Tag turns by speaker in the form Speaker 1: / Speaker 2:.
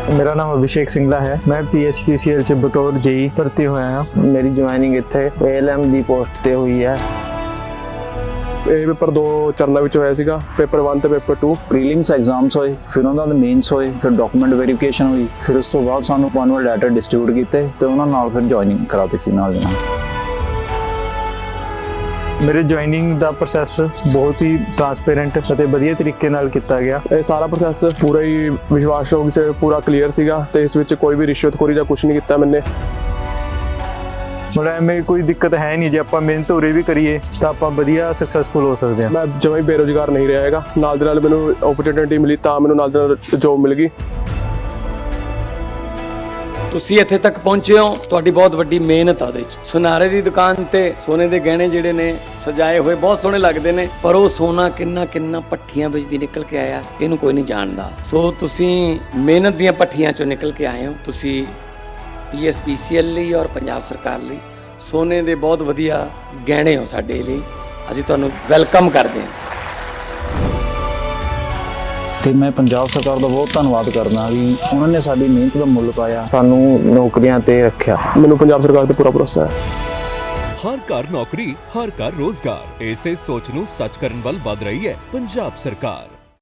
Speaker 1: मेरा नाम अभिषेक सिंगला है। मैं PSPCL च बतौर जेई भर्ती होया हाँ। मेरी ज्वाइनिंग इत्थे ALM ਦੀ ਪੋਸਟ ਤੇ ਹੋਈ ਹੈ।
Speaker 2: ਇਹ ਪੇਪਰ ਦੋ ਚਰਨਾਂ ਵਿੱਚ ਹੋਇਆ ਸੀਗਾ, ਪੇਪਰ 1 ਤੇ ਪੇਪਰ 2।
Speaker 3: ਪ੍ਰੀਲਿਮਸ ਐਗਜ਼ਾਮਸ ਹੋਏ, ਫਿਰ ਉਹਨਾਂ ਦੇ ਮੇਨਸ ਹੋਏ, ਫਿਰ ਡਾਕੂਮੈਂਟ ਵੈਰੀਫਿਕੇਸ਼ਨ ਹੋਈ, ਫਿਰ ਉਸ ਤੋਂ ਬਾਅਦ ਸਾਨੂੰ ਐਨੂਅਲ ਲੈਟਰ ਡਿਸਟ੍ਰੀਬਿਊਟ ਕੀਤੇ ਤੇ ਉਹਨਾਂ ਨਾਲ ਫਿਰ ਜੁਆਇਨਿੰਗ ਕਰਾਤੀ ਸੀ ਨਾਲ ਦੀ ਨਾਲ।
Speaker 1: ਮੇਰੇ ਜੁਆਇਨਿੰਗ ਦਾ ਪ੍ਰੋਸੈਸ ਬਹੁਤ ਹੀ ਟਰਾਂਸਪੇਰੈਂਟ ਅਤੇ ਵਧੀਆ ਤਰੀਕੇ ਨਾਲ ਕੀਤਾ ਗਿਆ।
Speaker 2: ਇਹ ਸਾਰਾ ਪ੍ਰੋਸੈਸ ਪੂਰਾ ਹੀ ਵਿਸ਼ਵਾਸਯੋਗ ਸੇ ਪੂਰਾ ਕਲੀਅਰ ਸੀਗਾ ਤੇ ਇਸ ਵਿੱਚ ਕੋਈ ਵੀ ਰਿਸ਼ਵਤਖੋਰੀ ਜਾਂ ਕੁਝ ਨਹੀਂ ਕੀਤਾ ਮੈਨੇ।
Speaker 1: ਮਤਲਬ ਐਵੇਂ ਕੋਈ ਦਿੱਕਤ ਹੈ ਨਹੀਂ, ਜੇ ਆਪਾਂ ਮਿਹਨਤ ਉਰੇ ਵੀ ਕਰੀਏ ਤਾਂ ਆਪਾਂ ਵਧੀਆ ਸਕਸੈਸਫੁਲ ਹੋ ਸਕਦੇ ਹਾਂ।
Speaker 2: ਮੈਂ ਜਮਾਂ ਹੀ ਬੇਰੁਜ਼ਗਾਰ ਨਹੀਂ ਰਿਹਾ ਹੈਗਾ, ਨਾਲ ਦੇ ਨਾਲ ਮੈਨੂੰ ਓਪਰਚੁਨਿਟੀ ਮਿਲੀ ਤਾਂ ਮੈਨੂੰ ਨਾਲ ਦੇ ਨਾਲ ਜੋਬ ਮਿਲ ਗਈ।
Speaker 4: ਤੁਸੀਂ ਇੱਥੇ ਤੱਕ ਪਹੁੰਚੇ ਹੋ, ਤੁਹਾਡੀ ਬਹੁਤ ਵੱਡੀ ਮਿਹਨਤ ਆ ਉਹਦੇ ਵਿੱਚ। ਸੁਨਾਰੇ ਦੀ ਦੁਕਾਨ ਤੇ ਸੋਨੇ ਦੇ ਗਹਿਣੇ ਜਿਹੜੇ ਨੇ ਸਜਾਏ ਹੋਏ ਬਹੁਤ ਸੋਹਣੇ ਲੱਗਦੇ ਨੇ, ਪਰ ਉਹ ਸੋਨਾ ਕਿੰਨਾ ਕਿੰਨਾ ਭੱਠੀਆਂ ਵਿੱਚ ਦੀ ਨਿਕਲ ਕੇ ਆਇਆ ਇਹਨੂੰ ਕੋਈ ਨਹੀਂ ਜਾਣਦਾ। ਸੋ ਤੁਸੀਂ ਮਿਹਨਤ ਦੀਆਂ ਭੱਠੀਆਂ ਚੋਂ ਨਿਕਲ ਕੇ ਆਏ ਹੋ। ਤੁਸੀਂ PSPCL ਲਈ ਔਰ ਪੰਜਾਬ ਸਰਕਾਰ ਲਈ ਸੋਨੇ ਦੇ ਬਹੁਤ ਵਧੀਆ ਗਹਿਣੇ ਹੋ ਸਾਡੇ ਲਈ। ਅਸੀਂ ਤੁਹਾਨੂੰ ਵੈਲਕਮ ਕਰਦੇ ਹਾਂ।
Speaker 3: ਤੇ ਮੈਂ ਪੰਜਾਬ ਸਰਕਾਰ ਦਾ ਬਹੁਤ ਧੰਨਵਾਦ ਕਰਦਾ ਵੀ ਉਹਨਾਂ ਨੇ ਸਾਡੀ ਮਿਹਨਤ ਦਾ ਮੁੱਲ ਪਾਇਆ,
Speaker 1: ਸਾਨੂੰ ਨੌਕਰੀਆਂ ਤੇ ਰੱਖਿਆ।
Speaker 2: ਮੈਨੂੰ ਪੰਜਾਬ ਸਰਕਾਰ ਤੇ ਪੂਰਾ ਭਰੋਸਾ ਹੈ।
Speaker 5: ਹਰ ਘਰ ਨੌਕਰੀ, ਹਰ ਘਰ ਰੋਜ਼ਗਾਰ, ਇਸੇ ਸੋਚ ਨੂੰ ਸੱਚ ਕਰਨ ਵੱਲ ਵਧ ਰਹੀ ਹੈ ਪੰਜਾਬ ਸਰਕਾਰ।